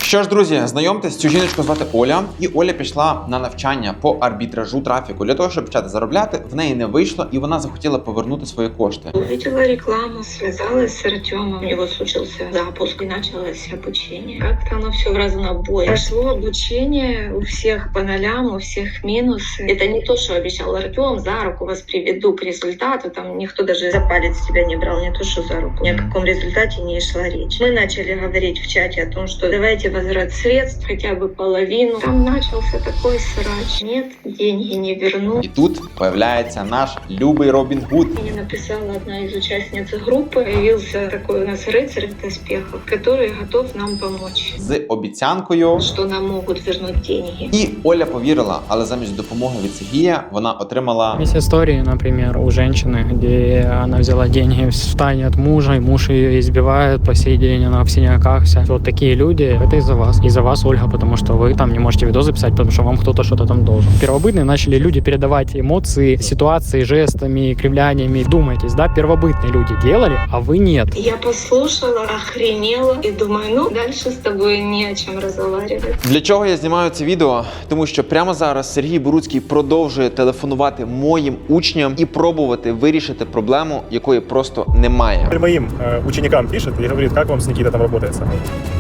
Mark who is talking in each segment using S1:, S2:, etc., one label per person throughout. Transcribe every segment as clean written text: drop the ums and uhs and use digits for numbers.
S1: Що ж, друзі, знайомтесь, цю жіночку звати Оля, і Оля пішла на навчання по арбітражу трафіку для того, щоб почати заробляти. В неї не вийшло, і вона захотіла повернути свої кошти.
S2: Увидела рекламу, связалась с Артемом, у него случился запуск и началось обучение. Как-то оно все в разнобой. Прошло обучение, у всех по нолям, у всех минусы. Это не то, что обещал Артем, за руку вас приведу к результату, там никто даже за палец тебя не брал, не то, что за руку. Ни о каком результате не шла речь. Мы начали говорить в чате о том, что давайте возврат средств, хотя бы половину. Там начался такой срач. Нет, деньги не верну.
S1: І тут появляється наш любий Робін Гуд.
S2: Мне написала одна из участниц группы. Появился такой у нас рыцарь в доспехах, который готов нам помочь.
S1: З обіцянкою,
S2: Что нам могут вернуть деньги.
S1: і Оля повірила, але замість допомоги від Сергія вона отримала...
S3: Есть истории, например, у женщины, где она взяла деньги в тайне от мужа, и муж ее избивает по сей день, она в синяках вся. Вот такие люди, это из-за вас. Из-за вас, Ольга, потому что вы там не можете видос записать, потому что вам кто-то что-то там должен. Первобытные начали люди передавать эмоции, ситуации, жестами, кривляниями. Думаетесь, да, первобытные люди делали, а вы нет.
S2: Я послушала, охренела и думаю, ну, дальше с тобой не о чем разговаривать.
S1: Для чого я знімаю це відео? Тому що прямо зараз Сергій Боруцький продовжує телефонувати моїм учням і пробувати вирішити проблему, якої просто немає.
S4: Моим ученикам пишет и говорит, как вам с Никитой там работается.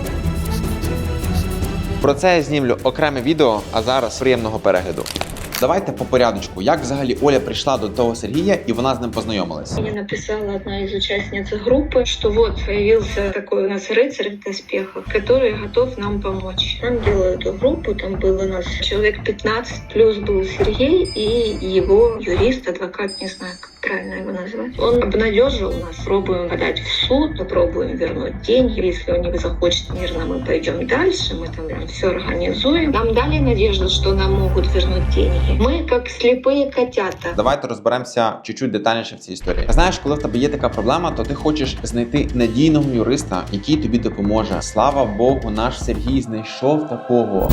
S1: Про це я знімлю окреме відео, а зараз приємного перегляду. Давайте по порядочку. Як взагалі Оля прийшла до того Сергія і вона з ним познайомилась?
S2: Мне написала одна из участниц группы, что вот появился такой у нас рыцарь в доспехах, который готов нам помочь. Нам делали эту группу, там было у нас человек 15, плюс был Сергей и его юрист, адвокат, не знаю, как правильно его назвать. Он обнадежил нас, пробуем подать в суд, попробуем вернуть деньги. Если он не захочет мирно, мы пойдем дальше, мы там все организуем. Нам дали надежду, что нам могут вернуть деньги. Ми як сліпі котята.
S1: Давайте розберемося чуть-чуть детальніше в цій історії. Знаєш, коли в тебе є така проблема, то ти хочеш знайти надійного юриста, який тобі допоможе. Слава Богу, наш Сергій знайшов такого.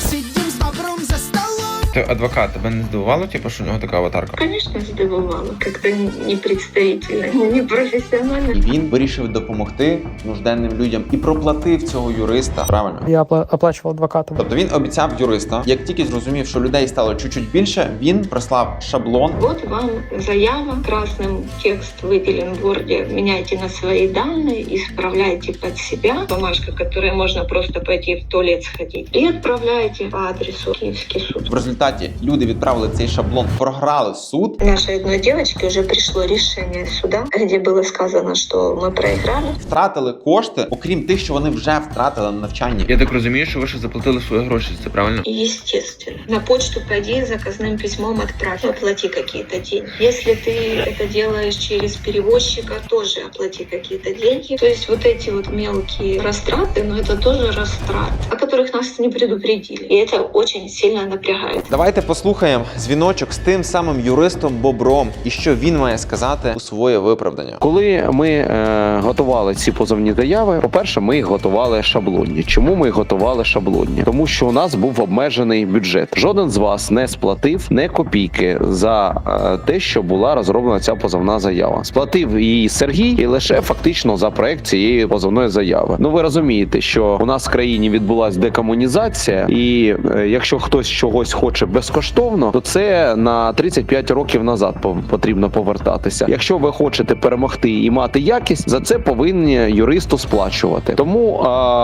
S1: Ти адвокат, тебе не здивувало, що у нього така аватарка?
S2: Конечно, здивувало. Как-то непредставительно, непрофесіонально.
S1: І він вирішив допомогти нужденним людям і проплатив цього юриста. Правильно?
S3: Я оплачивал адвоката.
S1: Тобто він обіцяв юриста. Як тільки зрозумів, що людей стало чуть-чуть більше, він прислав шаблон.
S2: Вот вам заява, красным текст выделен в Word, меняйте на свои данные, исправляйте под себя. Бумажка, которой можно просто пойти в туалет сходить. И отправляйте по адресу Киевский суд.
S1: В результаті люди відправили цей шаблон, програли суд.
S2: Нашей одной девочке уже пришло решение суда, где было сказано, что мы проиграли.
S1: Втратили кошти, окрім тих, що вони вже втратили на навчанні.
S5: Я так розумію, що ви ще заплатили свої гроші, це правильно?
S2: Естественно. На почту пойди, заказным письмом отправь. Оплати какие-то деньги. Если ты это делаешь через перевозчика, тоже оплати какие-то деньги. То есть вот эти вот мелкие растраты, но это тоже растраты, о которых нас не предупредили. И это очень сильно напрягает.
S1: Давайте послухаємо дзвіночок з тим самим юристом Бобром і що він має сказати у своє виправдання.
S6: Коли ми готували ці позовні заяви, по-перше, ми їх готували шаблонні. Чому ми їх готували шаблонні? Тому що у нас був обмежений бюджет. Жоден з вас не сплатив не копійки за те, що була розроблена ця позовна заява. Сплатив її Сергій і лише фактично за проект цієї позовної заяви. Ну ви розумієте, що у нас в країні відбулася декомунізація, і якщо хтось чогось хоче безкоштовно, то це на 35 років назад потрібно повертатися. Якщо ви хочете перемогти і мати якість, за це повинні юристу сплачувати. Тому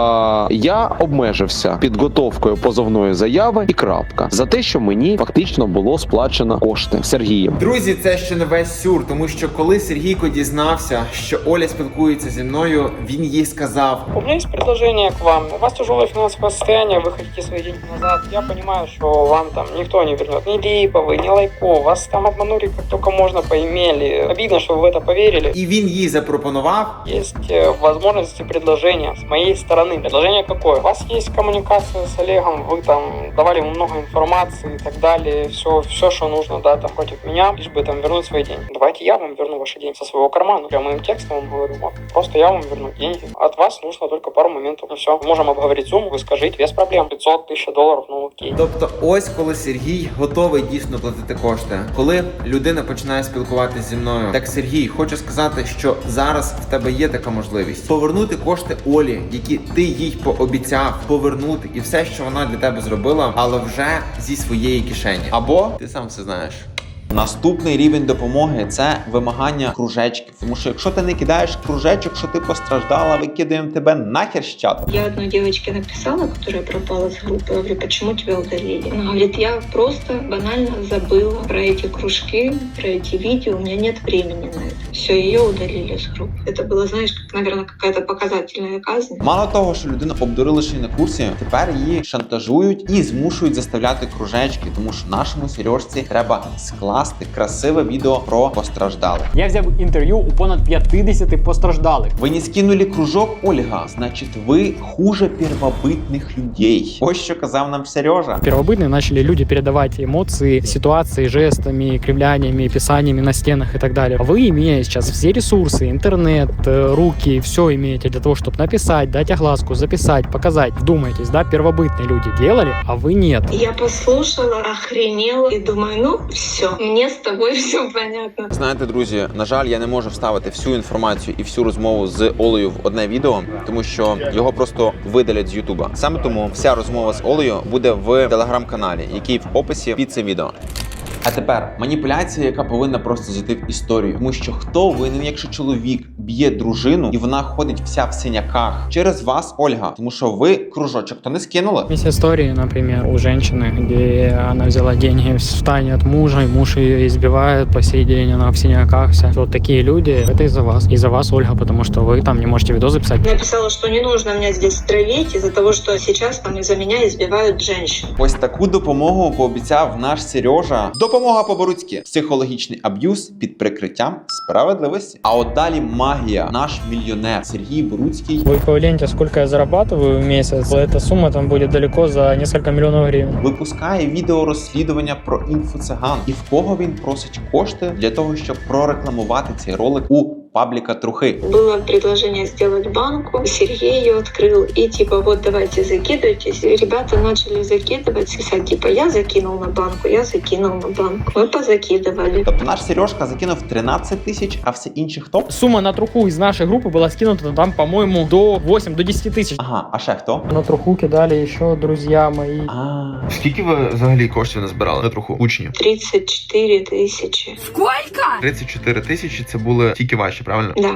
S6: я обмежився підготовкою позовної заяви і крапка. За те, що мені фактично було сплачено кошти Сергієм.
S1: Друзі, це ще не весь сюр, тому що коли Сергійко дізнався, що Оля спілкується зі мною, він їй сказав:
S3: У меня есть предложение к вам. У вас тяжелое финансовое состояние, вы хотите свои деньги назад. Я понимаю, что вам там никто не вернет. Ни Липовый, ни Лайко. Вас там обманули как только можно, поимели. Обидно, что вы в это поверили.
S1: І він їй запропонував.
S3: Есть возможности предложения с моей стороны. Предложение какое? У вас есть коммуникация с Олегом, вы там давали ему много информации и так далее. Все, что нужно, да, там против меня, лишь бы там вернуть свои деньги. Давайте я вам верну ваши деньги со своего кармана. Прямым текстом вам говорю. Просто я вам верну деньги. От вас нужно только пару моментов. Ну все, можем обговорить сумму, вы скажите, без проблем. 500 тысяч долларов, ну окей.
S1: Тобто ось коли Сергій готовий дійсно платити кошти. Коли людина починає спілкуватися зі мною, так, Сергій, хочу сказати, що зараз в тебе є така можливість повернути кошти Олі, які ти їй пообіцяв повернути, і все, що вона для тебе зробила, але вже зі своєї кишені. Або ти сам все знаєш. Наступний рівень допомоги – це вимагання кружечків. Тому що якщо ти не кидаєш кружечок, що ти постраждала, викидаємо тебе нахер з чату.
S2: Я одной девочке написала, которая пропала с группы. Я говорю, почему тебя удалили? Она говорит, я просто банально забыла про эти кружки, про эти видео. У меня нет времени на это. Все, ее удалили с группы. Это было, знаешь, как, наверное, какая-то показательная казнь.
S1: Мало того, що людину обдурили ще й на курсі, тепер її шантажують і змушують заставляти кружечки, тому що нашому Сережці треба скласти красиве відео про постраждалих.
S7: Я взяв інтерв'ю у понад 50 постраждалих.
S1: Ви не скинули кружок, Ольга, значить ви хуже первобытных людей. Ось що казав нам Сережа.
S7: Первобытные начали люди передавать эмоции, ситуации, жестами, кривляниями, писаниями на стенах и так далее. Вы, имея сейчас все ресурсы, интернет, руки, все имеете для того, чтобы написать, дать огласку, записать, показать. Вдумайтесь, да, первобытные люди делали, а вы нет.
S2: Я послушала, охренела и думаю, ну все, мне с тобой все понятно.
S1: Знаєте, друзі, на жаль, я не можу вставити всю інформацію і всю розмову з Олею в одне відео, тому що його просто видалять з Ютуба. Саме тому вся розмова з Олею буде в телеграм-каналі, який в описі під цим відео. А тепер маніпуляція, яка повинна просто зайти в історію. Тому що хто винен, якщо чоловік б'є дружину і вона ходить вся в синяках? Через вас, Ольга. Тому що ви кружочок то не скинули.
S7: Есть истории, например, у женщины, где она взяла деньги в тайне от мужа, и муж ее избивает, по сей день она в синяках вся. Вот такие люди, это из-за вас. Из-за вас, Ольга, потому что вы там не можете видео записать.
S2: Написала, что не нужно меня здесь травить из-за того, что сейчас там из-за меня избивают женщин.
S1: Ось таку допомогу пообіцяв наш Сережа. Допомога по-боруцьки. Психологічний аб'юз під прикриттям справедливості. А от далі магія. Наш мільйонер Сергій Боруцький
S7: Вы погляньте, сколько я зарабатываю в месяц. Эта сумма там будет далеко за несколько миллионов гривен.
S1: випускає відео розслідування про інфоциган. І в кого він просить кошти для того, щоб прорекламувати цей ролик у пабліка Трухи.
S2: Было предложение сделать банку, Сергей ее открыл, и типа вот давайте закидывайтесь. И ребята начали закидывать, писать типа я закинул на банку, я закинул на банку. Мы позакидывали.
S1: Тобто наш Сережка закинув 13 тисяч, а все інші хто?
S7: Сумма на труху из нашей группы была скинута там, по-моему, до 8-10 тысяч.
S1: Ага, а ще хто?
S7: На труху кидали еще друзья мои.
S5: Скільки ви взагалі коштів назбирали на труху учнів?
S2: 34 тысячи.
S5: 34 тисячі це були тільки ваші, правильно?
S2: Да.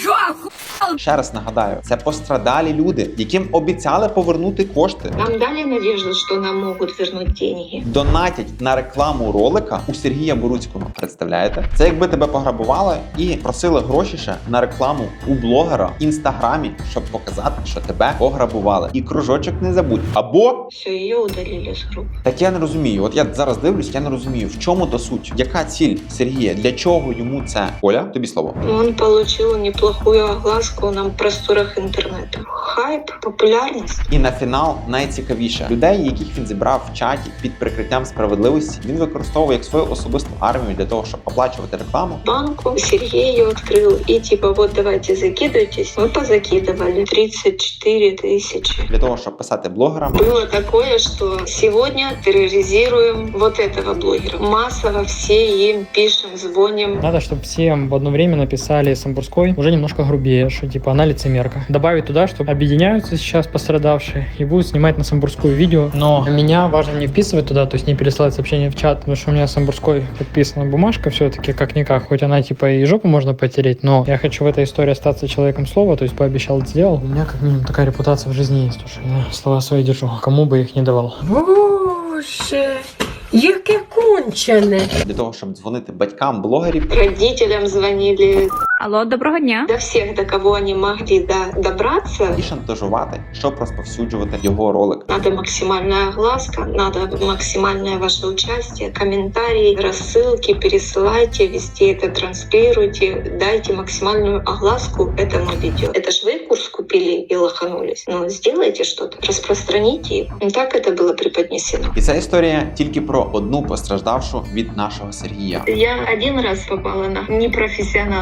S1: Ще раз нагадаю, це пострадалі люди, яким обіцяли повернути кошти.
S2: Нам дали надежду, что нам могут вернуть деньги.
S1: Донатять на рекламу ролика у Сергія Боруцького. Представляєте? Це якби тебе пограбували і просили гроші ще на рекламу у блогера в інстаграмі, щоб показати, що тебе пограбували. І кружочок не забудь. Або
S2: Все, ее удалили с группы.
S1: так я не розумію. От я зараз дивлюсь, я не розумію, в чому до суть. Яка ціль Сергія? Для чого йому це? Оля, тобі слово.
S2: Он получил неплохую огласку на просторах интернета. Хайп, популярность.
S1: І на фінал найцікавіше. Людей, яких він зібрав в чаті під прикриттям справедливості, він використовує як свою особисту армію для того, щоб оплачувати рекламу.
S2: Банку Сергей ее открыл, и типа вот давайте закидывайтесь. Мы позакидывали 34 тысячи.
S1: Для того, щоб писати блогерам.
S2: Было такое, что сегодня терроризируем вот этого блогера. Массово все им пишем, звоним.
S7: Надо, чтобы всем в одно время написали Самбурской уже немножко грубее, что типа она лицемерка. Добавить туда, что объединяются сейчас пострадавшие и будут снимать на Самбурскую видео. Но меня важно не вписывать туда, то есть не пересылать сообщения в чат, потому что у меня Самбурской подписана бумажка все-таки как-никак. Хоть она типа и жопу можно потереть, но я хочу в этой истории остаться человеком слова, то есть пообещал, сделал. У меня как минимум такая репутация в жизни есть, что я слова свои держу, кому бы их не давал.
S8: Боже, яке кончене.
S1: Для того, щоб дзвонити батькам блогерів.
S2: Родителям звонили.
S9: Алло, доброго дня.
S2: До всех, до кого они могли добраться.
S1: І шантажувати, щоб розповсюджувати його ролик.
S2: Надо максимальная огласка, надо максимальное ваше участие, комментарии, рассылки, пересылайте, везде это транслируйте, дайте максимальную огласку этому видео. Это ж вы курс купили и лоханулись. Ну, сделайте что-то, распространите его. Ну, так это было преподнесено.
S1: І ця історія тільки про одну постраждавшу від нашого Сергія.
S2: Я один раз попала на непрофессионала, скажем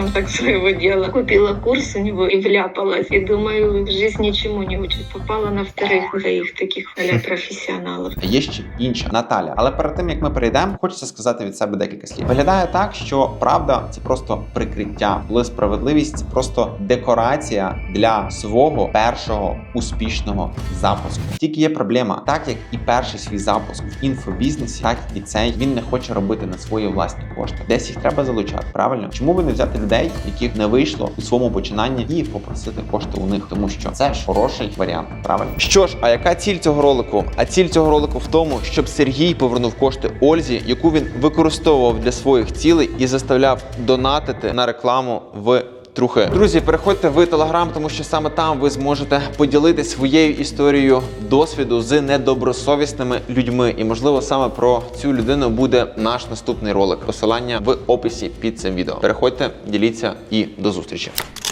S2: скажем так, своего дела. Купила курс у него и вляпалась. И думаю, жизнь ничему не учит. Попала на вторых двоих таких а-ля профессионалов.
S1: Є ще інша Наталя. Але перед тим як ми перейдемо, хочеться сказати від себе декілька слів. Виглядає так, що правда це просто прикриття, коли справедливість це просто декорація для свого першого успішного запуску. Тільки є проблема, так як і перший свій запуск в інфобізнесі, так і цей він не хоче робити на свої власні кошти. Десь їх треба залучати, правильно? Чому би не взяти людей, яких не вийшло у своєму починанні, і попросити кошти у них, тому що це ж хороший варіант, правильно? Що ж, а яка ціль цього ролику? А ціль цього ролику в тому, щоб Сергій повернув кошти Ользі, яку він використовував для своїх цілей і заставляв донатити на рекламу в трухи. Друзі, переходьте в Телеграм, тому що саме там ви зможете поділитися своєю історією досвіду з недобросовісними людьми. І, можливо, саме про цю людину буде наш наступний ролик. Посилання в описі під цим відео. Переходьте, діліться і до зустрічі.